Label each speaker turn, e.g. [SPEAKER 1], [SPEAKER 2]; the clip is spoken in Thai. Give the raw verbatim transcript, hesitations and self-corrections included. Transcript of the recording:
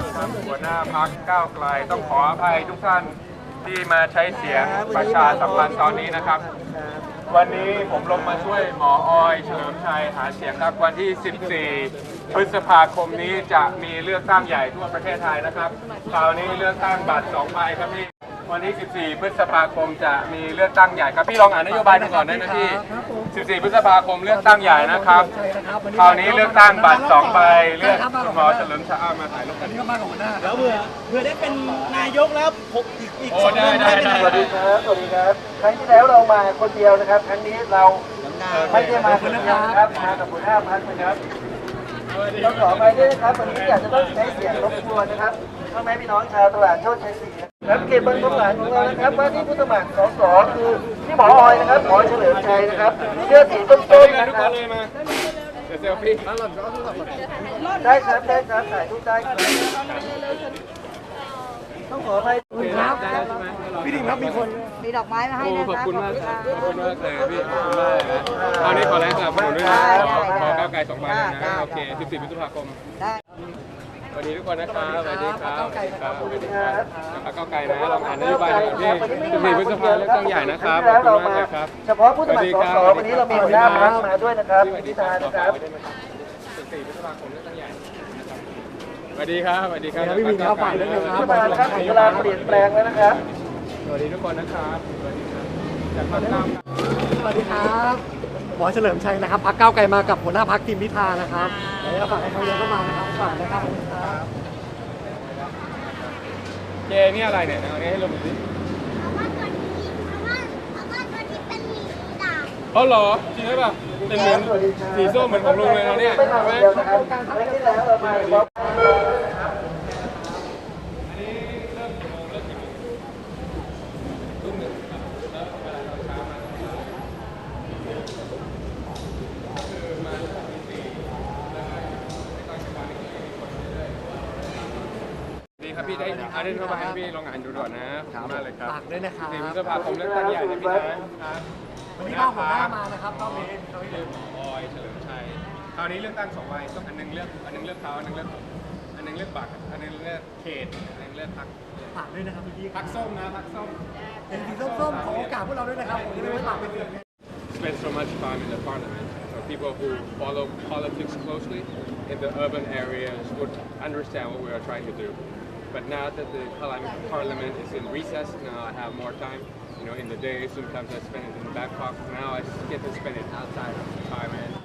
[SPEAKER 1] ทางหัวหน้าพรรคก้าวไกลต้องขออภัยทุกท่านที่มาใช้เสียงประชาสัมพันธ์ตอนนี้นะครับ วันนี้ผมลงมาช่วยหมอออยเฉลิมชัยหาเสียงครับวันที่ สิบสี่ พฤษภาคมนี้จะมีเลือกตั้งใหญ่ทั่วประเทศไทยนะครับคราวนี้เลือกตั้งบัตรสองใบครับพี่วันที่ สิบสี่ พฤษภาคมจะมีเลือกตั้งใหญ่ครับพี่ลองอ่านนโยบายดูก่อนได้ไหมพี่ สิบสี่ พฤษภาคมเลือกตั้งใหญ่นะครับคราวนี้เลือกตั้งบัตรสองใบเลือกหมอเฉลิมชัยมาถ่ายรูปกันนี่ก็มากับหัวหน้า
[SPEAKER 2] แล้วเผื่อเผื่อได้เป็นนายกแล้วผมอีกอีกสอง
[SPEAKER 1] เดือน
[SPEAKER 2] ได้เป็นนายก
[SPEAKER 3] สวัสดีครับสวัสดีครับครั้งที่แล้วเรามาคนเดียวนะครับครั้งนี้เราไม่ได้มาคนเดียวนะครับมากับหัวหน้าพรรคนะครับต้องขอไปด้วยนะครับวันนี้อยากจะต้องใช้เสียงรบกวนนะครับพ่อแม่พี่น้องชาวตลาดโชคชัยศรีครับเขตบางประหันของเรานะครับว่าที่ผู้สมัครสสคือที่หมอออยนะครับหมอเฉลิมชัยนะครับเสื้อสีส้มๆนะครับ
[SPEAKER 1] เซลฟี่
[SPEAKER 3] ได้ครับได้ครับถ่ายรูปได้ครับต้องขอไปครับ
[SPEAKER 1] พี่ดิมครับมีคน
[SPEAKER 4] มีดอกไม้มาให้นะ
[SPEAKER 1] ขอบ
[SPEAKER 4] คะ
[SPEAKER 1] คุณมากครับขอบคุณมากเลยพี่ขอบคุณมากนะเอานี้ขอแรงสนับสนุนด้วยนะขอก้าวไกลสองใบนะโอเค สิบสี่ พฤษภาคม
[SPEAKER 4] ได้
[SPEAKER 1] สวัสดีทุกคนนะครับสวัสดีครับสวัสดีครับสวัสดีครับก้าวไกลนะลองอ่านนโยบายหน่อยพี่ สิบสี่ พฤษภาคมเลือกตั้งใหญ่นะครับขอบคุณมากเลยครับ
[SPEAKER 3] เฉพาะผู้สมัครสสวันนี้เรามีหัวหน้าพรรคมาด้วยนะครับพิธานะครับ
[SPEAKER 1] สิบสี่ พฤษภาคมเลือกตั้งใหญ่สวัสดีครับสวัสดีครับ
[SPEAKER 3] พี่วินครับฝากด้วยนะครับรัฐบาลครับถึงเวลาเปลี่ยนแปลงแล้วนะครับ
[SPEAKER 1] สวัสดีทุกคนนะครับสวัสดีครับจากภาคเก้า
[SPEAKER 2] สวัสดีครับหมอเฉลิมชัยนะครับพรรคก้าวไกลมากับหัวหน้าพรรคทีมพิธานะครับแล้วฝากให้เขาเยอะเข้ามานะครับฝากนะครับ
[SPEAKER 1] เจนี่อะไรเนี่ยเอานี้ให้ลงดูสิเขาเหรอจริงไหมป่ะเป็นเหมือนสีส้มเหมือนของลุงเลยนะเนี่ยใช่ไหม
[SPEAKER 3] ครั้งที่แล้วเรามาพบ
[SPEAKER 1] ดีครับพี่ได้อาได้เข้ามาให้พี่ลองอ่านดูก่อนนะขอบคุณมากเลยครับ
[SPEAKER 2] ฝากด้วยนะครับ
[SPEAKER 1] สี่พฤษภาคมเลือกตั้งใหญ่นะพี่นะครับ
[SPEAKER 2] วันนี้ก็หัวหน้ามานะครับรอบนี้
[SPEAKER 1] คือหมอออยเฉลิมชัยคราวนี้เลือกตั้งสองใบต้องอันนึงเลือกอันนึงเลือกเขาอันนึงเลือกอันนึงเลือกบัตรอันนึงเลือกเขตอันนึงเลือกพรรค
[SPEAKER 2] ฝากด้วยนะครับพี่
[SPEAKER 1] พรรคส้มนะพรรคส้ม
[SPEAKER 2] เป็นสีส้มๆขอโอกาสพวกเราด้วยนะครับผมจะได้ไม่ฝากเป็นเสียง
[SPEAKER 1] spend so much time in the parliament. So people who follow politics closely in the urban areas would understand what we are trying to do. But now that the parliament is in recess, now I have more time. You know, in the day, sometimes I spend it in Bangkok. Now I get to spend it outside of the parliament.